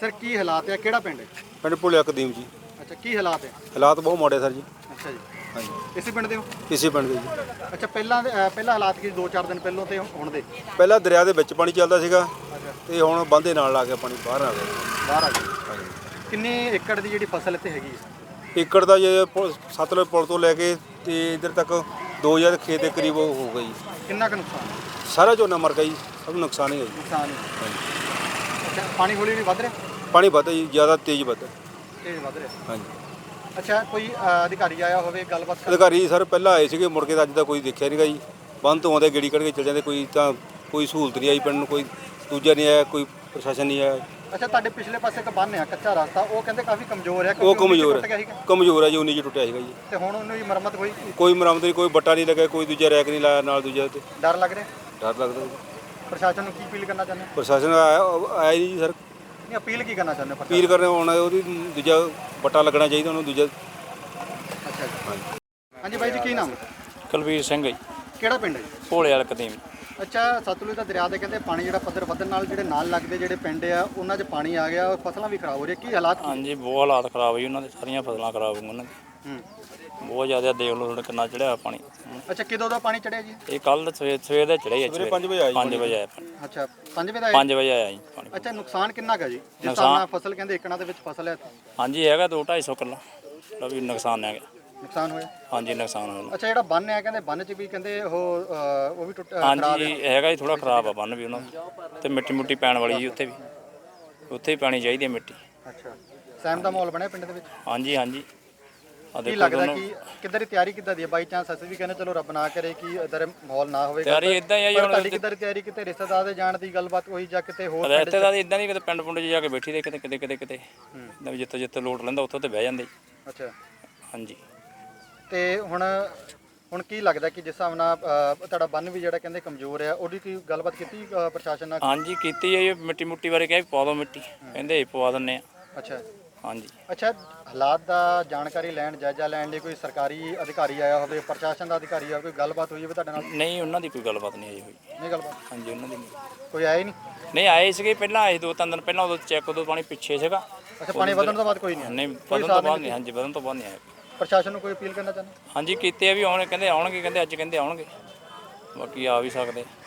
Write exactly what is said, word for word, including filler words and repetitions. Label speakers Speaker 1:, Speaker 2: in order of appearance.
Speaker 1: Sir ਕੀ ਹਾਲਾਤ ਹੈ, ਕਿਹੜਾ ਪਿੰਡ ਹੈ?
Speaker 2: ਪਿੰਡ ਭੁਲਿਆ ਕਦੀਮ ਜੀ।
Speaker 1: ਅੱਛਾ, ਕੀ ਹਾਲਾਤ ਹੈ?
Speaker 2: ਹਾਲਾਤ ਬਹੁਤ ਮਾੜੇ ਸਰ ਜੀ।
Speaker 1: ਅੱਛਾ ਜੀ,
Speaker 2: ਹਾਂਜੀ,
Speaker 1: ਇਸੇ ਪਿੰਡ ਦੇ ਹੋ?
Speaker 2: ਇਸੇ ਪਿੰਡ ਦੇ ਜੀ।
Speaker 1: ਅੱਛਾ, ਪਹਿਲਾਂ ਦੇ- ਅ, ਪਹਿਲਾਂ ਹਾਲਾਤ ਕੀ ਦੋ ਚਾਰ ਦਿਨ ਪਹਿਲਾਂ ਤੇ ਹੁਣ ਦੇ?
Speaker 2: ਪਹਿਲਾਂ ਦਰਿਆ ਦੇ ਵਿੱਚ ਪਾਣੀ ਚੱਲਦਾ ਸੀਗਾ
Speaker 1: ਅੱਛਾ,
Speaker 2: ਤੇ ਹੁਣ ਬੰਦੇ ਨਾਲ ਲਾ ਕੇ ਪਾਣੀ ਬਾਹਰ ਆ ਗਿਆ।
Speaker 1: ਬਾਹਰ ਆ ਗਏ।
Speaker 2: ਹਾਂਜੀ,
Speaker 1: ਕਿੰਨੇ ਏਕੜ ਦੀ ਜਿਹੜੀ ਫਸਲ ਇੱਥੇ ਹੈਗੀ ਹੈ?
Speaker 2: ਏਕੜ ਦਾ ਜੇ ਪੁਲ- ਸਤਲੁਜ ਪੁਲ ਤੋਂ ਲੈ ਕੇ ਤੇ ਇੱਧਰ ਤੱਕ ਦੋ ਹਜ਼ਾਰ ਖੇਤ ਦੇ ਕਰੀਬ ਉਹ ਹੋ ਗਈ।
Speaker 1: ਕਿੰਨਾ ਕੁ ਨੁਕਸਾਨ ਹੈ?
Speaker 2: ਸਾਰਾ ਝੋਨਾ ਮਰ ਗਿਆ ਜੀ, ਸਭ ਨੁਕਸਾਨ ਹੀ ਹੈ ਜੀ।
Speaker 1: ਨੁਕਸਾਨ ਹੈ।
Speaker 2: ਹਾਂਜੀ,
Speaker 1: ਅੱਛਾ, ਪਾਣੀ ਹੌਲੀ ਹੌਲੀ ਵੱਧ ਰਿਹਾ?
Speaker 2: ਪਾਣੀ ਵੱਧਦਾ ਜੀ, ਜ਼ਿਆਦਾ ਤੇਜ਼ ਵੱਧਦਾ।
Speaker 1: ਤੇਜ਼ ਵੱਧ ਰਿਹਾ।
Speaker 2: ਹਾਂਜੀ,
Speaker 1: ਅੱਛਾ, ਕੋਈ ਅ, ਅਧਿਕਾਰੀ ਆਇਆ ਹੋਵੇ ਗੱਲਬਾਤ ਕਰਨ?
Speaker 2: ਅਧਿਕਾਰੀ ਸਰ ਪਹਿਲਾਂ ਆਏ ਸੀਗੇ, ਮੁੜ ਕੇ ਤਾਂ ਅੱਜ ਦਾ ਕੋਈ ਦੇਖਿਆ ਨਹੀਂਗਾ ਜੀ। ਬੰਦ ਤੋਂ ਆਉਂਦੇ ਗੇੜੀ ਕੱਢ ਕੇ ਚਲ ਜਾਂਦੇ, ਕੋਈ ਤਾਂ ਕੋਈ ਸਹੂਲਤ ਨਹੀਂ ਆਈ ਪਿੰਡ ਨੂੰ, ਕੋਈ ਦੂਜਾ ਨਹੀਂ ਆਇਆ, ਕੋਈ ਪ੍ਰਸ਼ਾਸਨ ਨਹੀਂ ਆਇਆ।
Speaker 1: ਅੱਛਾ, ਤੁਹਾਡੇ ਪਿਛਲੇ ਪਾਸੇ ਇੱਕ ਬੰਨ੍ਹ ਆ ਕੱਚਾ ਰਸਤਾ, ਉਹ ਕਹਿੰਦੇ ਕਾਫੀ ਕਮਜ਼ੋਰ ਹੈ
Speaker 2: ਉਹ
Speaker 1: ਕਿਉਂਕਿ ਉੱਨੀ ਚ
Speaker 2: ਕਮਜ਼ੋਰ
Speaker 1: ਟੁੱਟ ਗਿਆ
Speaker 2: ਹੈ,
Speaker 1: ਸੀਗਾ
Speaker 2: ਕਮਜ਼ੋਰ ਹੈ ਜੀ, ਉਨੀ ਜੀ ਟੁੱਟਿਆ ਸੀਗਾ ਜੀ।
Speaker 1: ਤੇ ਹੁਣ ਉਹਨੂੰ ਵੀ ਮੁਰੰਮਤ ਹੋਈ?
Speaker 2: ਕੋਈ ਮੁਰੰਮਤ ਨਹੀਂ, ਕੋਈ ਬੱਟਾ ਨਹੀਂ ਲੱਗਾ, ਕੋਈ ਦੂਜਾ ਰੈਕ ਨਹੀਂ ਲਾਇਆ ਨਾਲ ਦੂਜਾ, ਤੇ
Speaker 1: ਡਰ ਲੱਗ ਰਿਹਾ?
Speaker 2: ਡਰ ਲੱਗਦਾ ਜੀ।
Speaker 1: ਪ੍ਰਸ਼ਾਸਨ ਨੂੰ ਕੀ ਅਪੀਲ ਕਰਨਾ ਚਾਹੁੰਦੇ ਹੋ?
Speaker 2: ਪ੍ਰਸ਼ਾਸਨ ਆਇਆ ਆਇਆ ਹੀ ਨਹੀਂ ਜੀ ਸਰ।
Speaker 1: ਨਹੀਂ, ਅਪੀਲ ਕੀ ਕਰਨਾ ਚਾਹੁੰਦੇ ਹੋ
Speaker 2: ਅਪੀਲ ਕਰਨੇ ਆਉਣਾ, ਉਹਦੀ ਦੂਜਾ ਬੱਟਾ ਲੱਗਣਾ ਚਾਹੀਦਾ ਉਹਨੂੰ ਦੂਜਾ।
Speaker 1: ਅੱਛਾ ਜੀ।
Speaker 2: ਹਾਂਜੀ,
Speaker 1: ਹਾਂਜੀ ਬਾਈ ਜੀ, ਕੀ ਨਾਮ ਹੈ?
Speaker 3: ਕੁਲਵੀਰ ਸਿੰਘ ਜੀ,
Speaker 1: ਕਿਹੜਾ ਪਿੰਡ ਹੈ ਜੀ?
Speaker 3: ਭੋਲੇ ਵਾਲਾ ਕਦੀਮ।
Speaker 1: ਅੱਛਾ, ਸਤਲੁਜ ਦਾ ਦਰਿਆ ਦੇ ਕਹਿੰਦੇ ਪਾਣੀ ਜਿਹੜਾ ਪੱਧਰ ਵਧਣ ਨਾਲ ਜਿਹੜੇ ਨਾਲ ਲੱਗਦੇ ਜਿਹੜੇ ਪਿੰਡ ਆ ਉਹਨਾਂ 'ਚ ਪਾਣੀ ਆ ਗਿਆ, ਫਸਲਾਂ ਵੀ ਖਰਾਬ ਹੋ ਰਹੀਆਂ, ਕੀ ਹਾਲਾਤ ਕੀ?
Speaker 3: ਹਾਂਜੀ, ਬਹੁਤ ਹਾਲਾਤ ਖਰਾਬ ਹੋਈ ਉਹਨਾਂ ਦੇ, ਸਾਰੀਆਂ ਫਸਲਾਂ ਖਰਾਬ ਹੋਈਆਂ ਉਹਨਾਂ ਦੀ।
Speaker 1: ਹੂੰ।
Speaker 3: ਬਹੁਤ ਜ਼ਿਆਦਾ ਦੇਖ ਲਓ ਤੁਹਾਡੇ ਕਿੰਨਾ ਚੜਿਆ ਪਾਣੀ।
Speaker 1: ਅੱਛਾ, ਕਿਦੋਂ ਦਾ ਪਾਣੀ ਚੜਿਆ ਜੀ?
Speaker 3: ਇਹ ਕੱਲ ਸਵੇਰ ਸਵੇਰ ਦਾ ਚੜਿਆ
Speaker 2: ਸਵੇਰੇ ਪੰਜ ਵਜੇ ਆਇਆ ਜੀ
Speaker 3: ਪੰਜ ਵਜੇ ਆਇਆ ਪਾਣੀ।
Speaker 1: ਅੱਛਾ, ਪੰਜ ਵਜੇ ਦਾ ਆਇਆ?
Speaker 3: ਪੰਜ ਵਜੇ ਆਇਆ ਜੀ ਪਾਣੀ।
Speaker 1: ਅੱਛਾ, ਨੁਕਸਾਨ ਕਿੰਨਾ ਕੁ ਹੈ ਜੀ? ਜਿਸ
Speaker 3: ਨੁਕਸਾਨ-
Speaker 1: ਹਿਸਾਬ ਨਾਲ ਫਸਲ ਕਹਿੰਦੇ ਏਕੜਾਂ ਦੇ ਵਿੱਚ ਫਸਲ ਹੈ,
Speaker 3: ਹਾਂਜੀ, ਹੈਗਾ ਦੋ ਢਾਈ ਸੌ ਕਿੱਲਾ ਦਾ ਵੀ ਨੁਕਸਾਨ ਹੈਗਾ।
Speaker 1: ਨੁਕਸਾਨ ਹੋਇਆ?
Speaker 3: ਹਾਂਜੀ, ਨੁਕਸਾਨ ਹੋਇਆ।
Speaker 1: ਅੱਛਾ, ਜਿਹੜਾ ਬੰਨ੍ਹ ਹੈ ਕਹਿੰਦੇ ਬੰਨ੍ਹ 'ਚ ਵੀ ਕਹਿੰਦੇ ਉਹ ਅ, ਉਹ ਵੀ ਟੁੱਟ ਅ, ਖਰਾਬ ਹੈ।
Speaker 3: ਹਾਂਜੀ, ਹੈਗਾ ਜੀ, ਥੋੜਾ ਖਰਾਬ ਆ ਬੰਨ ਵੀ ਉਹਨਾਂ ਦਾ, ਤੇ ਮਿੱਟੀ ਮੁੱਟੀ ਪੈਣ ਵਾਲੀ ਜੀ ਉੱਥੇ ਵੀ, ਉੱਥੇ ਵੀ ਪੈਣੀ ਚਾਹੀਦੀ ਹੈ ਮਿੱਟੀ।
Speaker 1: ਅੱਛਾ, ਸਹਿਮ ਦਾ ਮਾਹੌਲ ਬਣਿਆ ਪਿੰਡ ਦੇ ਵਿੱਚ?
Speaker 3: ਹਾਂਜੀ ਹਾਂਜੀ, ਆ
Speaker 1: ਕੀ
Speaker 3: ਦੇਖੋ
Speaker 1: ਲੱਗਦਾ
Speaker 3: ਦੋਨੋਂ
Speaker 1: ਕਿ ਕਿੱਦਾਂ ਦੀ ਤਿਆਰੀ ਕਿੱਦਾਂ ਦੀ ਹੈ? ਬਾਈ ਚਾਂਸ ਅਸੀਂ ਵੀ ਕਹਿੰਦੇ ਚਲੋ ਰੱਬ ਨਾ ਕਰੇ ਕਿ ਇਧਰ ਮਾਹੌਲ ਨਾ ਹੋਵੇ।
Speaker 3: ਤਿਆਰੀ ਇੱਦਾਂ ਹੀ ਆ ਜੀ,
Speaker 1: ਪਰ
Speaker 3: ਹੁਣ
Speaker 1: ਤੁਹਾਡੀ ਕਿੱਦਾਂ ਦੀ ਤਿਆਰੀ, ਕਿਤੇ ਰਿਸ਼ਤੇਦਾਰ ਦੇ ਜਾਣ ਦੀ ਗੱਲਬਾਤ ਹੋਈ ਜਾਂ ਕਿਤੇ ਹੋਰ ਪਿੰਡ 'ਚ?
Speaker 3: ਰਿਸ਼ਤੇਦਾਰ ਇਦਾਂ ਨਹੀਂ, ਕਿਤੇ ਪਿੰਡ ਪੁੰਡ 'ਚ ਜਾ ਕੇ ਬੈਠੀ ਦੇ, ਕਿਤੇ ਕਿਤੇ ਕਿਤੇ ਕਿਤੇ ਇੱਦਾਂ ਵੀ ਜਿੱਥੇ ਜਿੱਥੇ ਲੋਟ ਲੈਂਦਾ ਉੱਥੇ ਤੇ ਬਹਿ ਜਾਂਦੇ।
Speaker 1: ਅੱਛਾ,
Speaker 3: ਹਾਂਜੀ,
Speaker 1: ਤੇ ਹੁਣ ਹੁਣ ਕੀ ਲੱਗਦਾ ਕਿ ਜਿਸ ਹਿਸਾਬ ਨਾਲ ਅ, ਤੁਹਾਡਾ ਬੰਨ ਵੀ ਜਿਹੜਾ ਕਹਿੰਦੇ ਕਮਜ਼ੋਰ ਆ, ਉਹਦੀ ਕੀ ਗੱਲਬਾਤ ਕੀਤੀ ਅ, ਪ੍ਰਸ਼ਾਸਨ ਨਾਲ?
Speaker 3: ਹਾਂਜੀ ਕੀਤੀ ਹੈ ਜੀ, ਮਿੱਟੀ ਮੁੱਟੀ ਬਾਰੇ ਕਿਹਾ ਵੀ ਪਵਾ ਦਿਓ ਮਿੱਟੀ, ਕਹਿੰਦੇ ਅਸੀਂ ਪਵਾ ਦਿੰਦੇ ਆ।
Speaker 1: ਅੱਛਾ।
Speaker 3: ਹਾਂਜੀ,
Speaker 1: ਅੱਛਾ, ਹਾਲਾਤ ਦਾ ਜਾਣਕਾਰੀ ਲੈਣ, ਜਾਇਜ਼ਾ ਲੈਣ ਲਈ ਕੋਈ ਸਰਕਾਰੀ ਅਧਿਕਾਰੀ ਆਇਆ ਹੋਵੇ, ਪ੍ਰਸ਼ਾਸਨ ਦਾ ਅਧਿਕਾਰੀ ਆ, ਕੋਈ ਗੱਲਬਾਤ ਹੋਈ ਹੋਵੇ ਤੁਹਾਡੇ ਨਾਲ?
Speaker 3: ਨਹੀਂ ਉਹਨਾਂ ਦੀ ਕੋਈ ਗੱਲਬਾਤ ਨਹੀਂ ਆਈ ਹੋਈ।
Speaker 1: ਨਹੀਂ ਗੱਲਬਾਤ?
Speaker 3: ਹਾਂਜੀ, ਉਹਨਾਂ ਦੀ ਨਹੀਂ।
Speaker 1: ਕੋਈ ਆਇਆ ਹੀ ਨਹੀਂ?
Speaker 3: ਨਹੀਂ ਆਏ ਸੀਗੇ ਪਹਿਲਾਂ, ਆਏ ਦੋ ਤਿੰਨ ਦਿਨ ਪਹਿਲਾਂ, ਉਦੋਂ ਚੈੱਕ ਉਦੋਂ ਪਾਣੀ ਪਿੱਛੇ ਸੀਗਾ।
Speaker 1: ਅੱਛਾ, ਪਾਣੀ ਵਧਣ ਤੋਂ ਬਾਅਦ ਕੋਈ ਨਹੀਂ ਆਇਆ?
Speaker 3: ਨਹੀਂ,
Speaker 1: ਕੋਈ
Speaker 3: ਵਧਣ
Speaker 1: ਸਾਥ
Speaker 3: ਤੋਂ
Speaker 1: ਨਹੀਂ
Speaker 3: ਬਾਅਦ ਨਹੀਂ। ਹਾਂਜੀ, ਵਧਣ ਤੋਂ ਬਾਅਦ ਨਹੀਂ ਆਏ।
Speaker 1: ਪ੍ਰਸ਼ਾਸਨ ਨੂੰ ਕੋਈ ਅਪੀਲ ਕਰਨਾ ਚਾਹੁੰਦੇ?
Speaker 3: ਹਾਂਜੀ ਕੀਤੀ ਹੈ ਵੀ ਆਉਣ, ਕਹਿੰਦੇ ਆਉਣਗੇ, ਕਹਿੰਦੇ ਅੱਜ ਕਹਿੰਦੇ ਆਉਣਗੇ, ਬਾਕੀ ਆ ਵੀ ਸਕਦੇ।